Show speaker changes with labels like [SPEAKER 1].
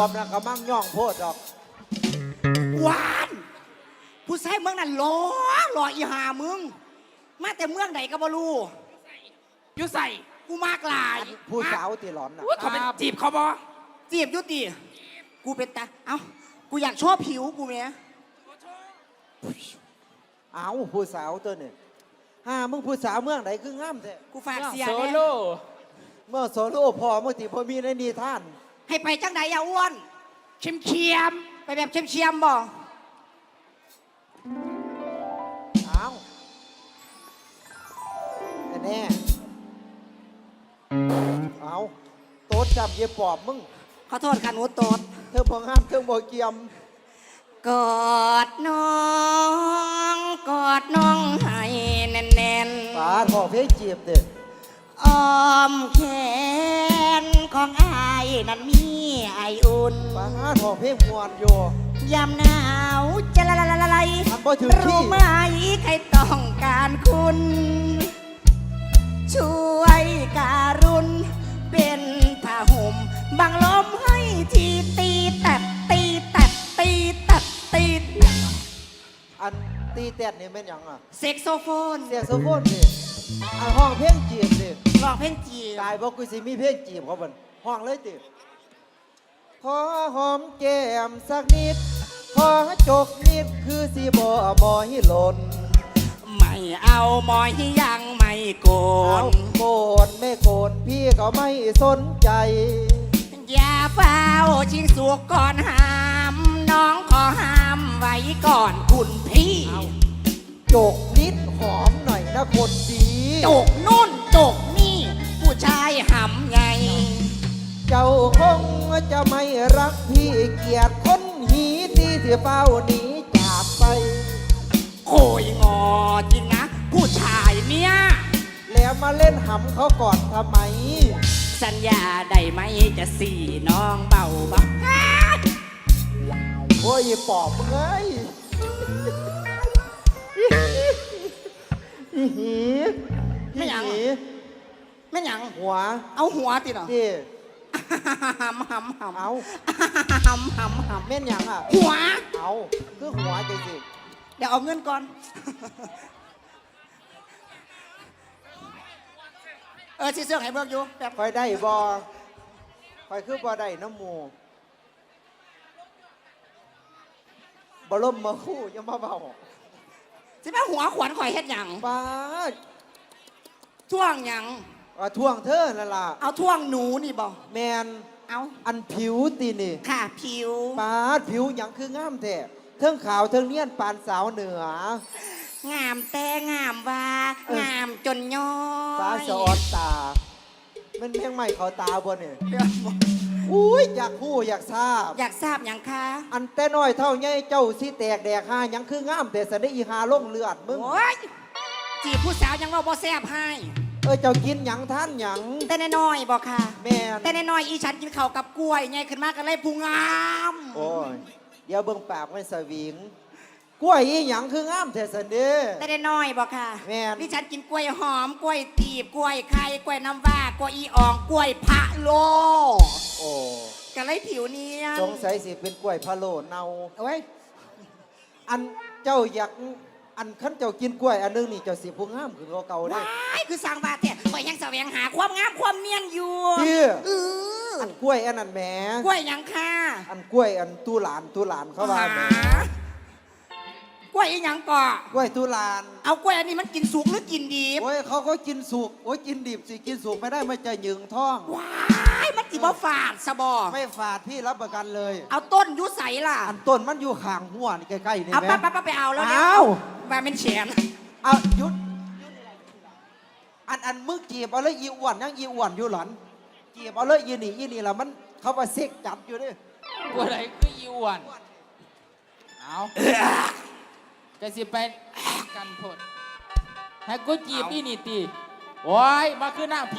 [SPEAKER 1] อบนะก็มั่งย่องโพดดอก
[SPEAKER 2] หวานผู้ชายเมืองนั่นหล่ออีหามึงมาแต่เมืองไหนก็บ่รู้อยู่ใส่กูมากหลาย
[SPEAKER 1] ผู้สาวตีหลอนนะ
[SPEAKER 2] เขาเป็นจีบเขาบ่จีบยุติกูเป็นตาเอ้ากูอยากชอบผิวกูเมีย
[SPEAKER 1] เอาผู้สาวตัวนี่มึงผู้สาวเมืองไหนคืองามแท้
[SPEAKER 2] กูฝากเสีย
[SPEAKER 3] โซ
[SPEAKER 2] เนี่ย
[SPEAKER 3] โล่
[SPEAKER 1] เมื่อโซโล่พอเมื่อตีพอมีในนิทาน
[SPEAKER 2] ให้ไปจังไหนอย่าอ้วนเชียมไปแบบเชียมบ่
[SPEAKER 1] เอาแน่เอาโต๊ดจับเย็บปอบมึง
[SPEAKER 2] ขอโทษค่ะหนูโตด
[SPEAKER 1] เธอพองามเธอบ่เกียม
[SPEAKER 2] กอดน้องกอดน้องให้แน่น
[SPEAKER 1] ๆป้าพ่อเพชรจีบเด็ด
[SPEAKER 2] อ้อมแขนของอายนั้นมีไออุ่น
[SPEAKER 1] ป้าพ่อเพชรมวนอยู่
[SPEAKER 2] ยามหนาวจะละลายรู้ไหมใครต้องการคุณช่วยการุณเป็นผ้าห่มบังลมให้ทีตีตัดตีตัดตีตัดตี
[SPEAKER 1] อันตีแตดนี่เป็นยังอ่ะ
[SPEAKER 2] เซ็กโซโฟน
[SPEAKER 1] เสียโซโฟนดิอันห้องเพลงจีบดิ
[SPEAKER 2] ร้องเพลงจีบ
[SPEAKER 1] ตายบอกกูสิมีเพลงจีบเขาบ่นห้องเลยดิขอหอมแก้มสักนิดขอจกนิดคือสิบ่ให้หล่น
[SPEAKER 2] ไม่เอาหมอยยังไม่โกน
[SPEAKER 1] โกนไม่โกนพี่ก็ไม่สนใจ
[SPEAKER 2] อย่าเฝ้าชิงสุกก่อนห้ามน้องขอห้ามไว้ก่อนคุณพี่
[SPEAKER 1] จกนิดหอมหน่อยนะคนดี
[SPEAKER 2] จกนู่นจกนี่ผู้ชายหำไง
[SPEAKER 1] เจ้าคงจะไม่รักพี่เกียรติคนหีตีที่เฝ้าหนีจากไป
[SPEAKER 2] โคยงอจริงนะผู้ชายเนี่ย
[SPEAKER 1] แล้วมาเล่นหำเขาก่อนทำไม
[SPEAKER 2] สัญญาได้ไหมจะสี่น้องเบา
[SPEAKER 1] โอ้ยปอบเอ้ยหี
[SPEAKER 2] ไม่หยังไม่หยัง
[SPEAKER 1] หัว
[SPEAKER 2] เอาหัวติหรอ
[SPEAKER 1] ดิ
[SPEAKER 2] หำเอา
[SPEAKER 1] เม่นหยังอ่ะ
[SPEAKER 2] หัว
[SPEAKER 1] เอาคือหัวจริง
[SPEAKER 2] เดี๋ยวเอาเงินก่อนสิเสื้อให้เบิกอยู่แบบ
[SPEAKER 1] คอยได้บอคอยคือบอได้น้ำมูบอลมมาคู่ยังมาเบา
[SPEAKER 2] สิแม่หัวขวัญข่อยเฮ็ดหยัง
[SPEAKER 1] ป้า
[SPEAKER 2] ท่วงหยัง
[SPEAKER 1] ท่วงเธอนั่นล่ะ
[SPEAKER 2] เอาท่วงหนูนี่บ่
[SPEAKER 1] แมน
[SPEAKER 2] เอา
[SPEAKER 1] อันผิวตีนี่
[SPEAKER 2] ค่ะผิว
[SPEAKER 1] ป้าผิวหยังคืองามแท้เทิงขาวเทิงเนียนปานสาวเหนือง
[SPEAKER 2] ามแต่งามว่างามจนย้อย
[SPEAKER 1] ฟ้าสอดตามันแม่งใหม่เขาตาบ่เนี่ยอุ้ยอยากพูดอยากทราบ
[SPEAKER 2] อย่างคะ
[SPEAKER 1] อันแต่น้อยเท่าไงเจ้าสิแตกแดกหายังคืองามแต่สะได้อีหาล่งเลือดมึง
[SPEAKER 2] โอ้ยจีบผู้สาวยังว่าบ่แซ่บให้
[SPEAKER 1] เจ้ากินหยังท่านหยัง
[SPEAKER 2] แต่น้อยบอกค่ะ
[SPEAKER 1] แม่
[SPEAKER 2] แต่น้อยอีฉันกินข้าวกับกล้วยไงขึ้นมากันเลยพุงงาม
[SPEAKER 1] โอ้ยเดี๋ยวเบิ่งปากมันสวิงกล้วยอีหยังคืองามแต่สันเด้
[SPEAKER 2] แต่น้อยบอกค่ะ
[SPEAKER 1] แม่
[SPEAKER 2] ดิฉันกินกล้วยหอมกล้วยตีบกล้วยไข่กล้วยน้ำว้ากล้วยอีอ่องกล้วยพะโล
[SPEAKER 1] โอ้
[SPEAKER 2] กันเลยผิวเนียน
[SPEAKER 1] สงสัยสิเป็นกล้วยพะโลเนา
[SPEAKER 2] เว้ย
[SPEAKER 1] อันเจ้าอยากอันขั้นเจ้ากินกล้วยอันนึงนี่เจ้าสิพุงงามคือเก่าได้
[SPEAKER 2] คือสร้างบาเตะข่อยยังแสวงหาความงามความเนียนอยู่
[SPEAKER 1] อันกล้วยอันนั้นแหม
[SPEAKER 2] กล้วยยังค่ะ
[SPEAKER 1] อันกล้วยอันตู้หลานเขาว่าแหม
[SPEAKER 2] กล้วยยังก่
[SPEAKER 1] อกล้วยตู้หลาน
[SPEAKER 2] เอากล้วยอันนี้มันกินสุกหรือกินดิบ
[SPEAKER 1] โอ้ยเขาก็กินสุกโอ้ยกินดิบสิกินสุกไม่ได้มันจะหยึงท้อง
[SPEAKER 2] ว้ายมันจิบ่ฝาดสบอ
[SPEAKER 1] ไม่ฝาดพี่รับประกันเลย
[SPEAKER 2] เอาต้นยุใสล่ะ
[SPEAKER 1] อันต้นมันอยู่ห่างหัวนี่ใกล้ๆนี่
[SPEAKER 2] แม่เอาไปเอาแล้วเนี่ยมาเป็นแฉน
[SPEAKER 1] เอายุดอันมึกจีบเอาเลยอีอ้วนยังอีอ้วนอยู่หลอนจีบเอาเลยยีนี่ละมันเขามาเซ็กจัดอยู่ดิ
[SPEAKER 3] ตัวไหนคืออีอ้วนเอาจะสิไปกันพดให้กูจีบอีนี่ตีโอ้ยมาคือหน้า